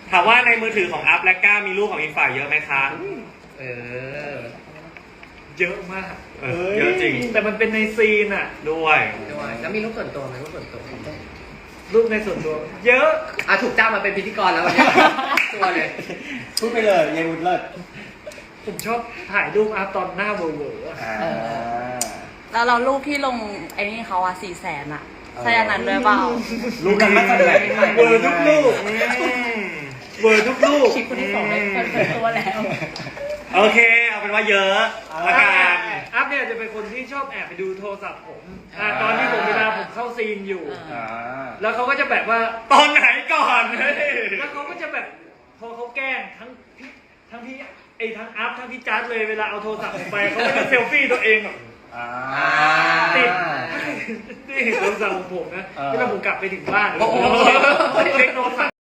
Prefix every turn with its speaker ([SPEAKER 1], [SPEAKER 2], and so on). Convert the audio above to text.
[SPEAKER 1] ถามว่าในมือถือของอัพและก้ามีรูปของอีกฝ่ายเยอะไหมคะ
[SPEAKER 2] เยอะมาก
[SPEAKER 1] เยอะจริง
[SPEAKER 2] แต่มันเป็นในซีนอ่ะ
[SPEAKER 1] ด้วย
[SPEAKER 3] แล้วมีรูปส่วนตัวไหมรูปส่วนตัว
[SPEAKER 2] รูปในส่วนตัว เยอะ
[SPEAKER 3] ถูกจ้างมาเป็นพิธีกรแล้ววันนี้ตัวเลย
[SPEAKER 4] พูดไปเลยยายวุฒิเลิศ
[SPEAKER 2] ผมชอบถ่ายรูปอาร์ตตอนหน้าเวอร์ๆอะ
[SPEAKER 5] แล้วเรารูปที่ลงไอ้นี่เขาอะ400,000อะใช่อันนั้นด้วยเปล่า
[SPEAKER 4] รู้กันมาจากไหน
[SPEAKER 2] เวอร์ทุกรูปเวอร์ทุกรูป
[SPEAKER 5] คลิปคนที่2ได้เปิดเผยตัวแล้ว
[SPEAKER 1] โอเค เอาเป็นว่าเยอะละกัน
[SPEAKER 2] อัพเนี่ยจะเป็นคนที่ชอบแอบไปดูโทรศัพท์ผมตอนที่ผมเวลาผมเข้าซีนอยู่ แล้วเขาก็จะแบบว่า
[SPEAKER 1] ตอนไหนก่อนเฮ้ย
[SPEAKER 2] แล้วเขาก็จะแบบพอเขาแกล้งทั้งพี่ทั้งอัพทั้งพี่จัดเลยเวลาเอาโทรศัพท์ผมไปเขาก็จะเซลฟี่ตัวเองแบบติดนี่โทรศัพท์ของผมนะเวลาผมกลับไปถึงบ้านเช็คโทรศัพท์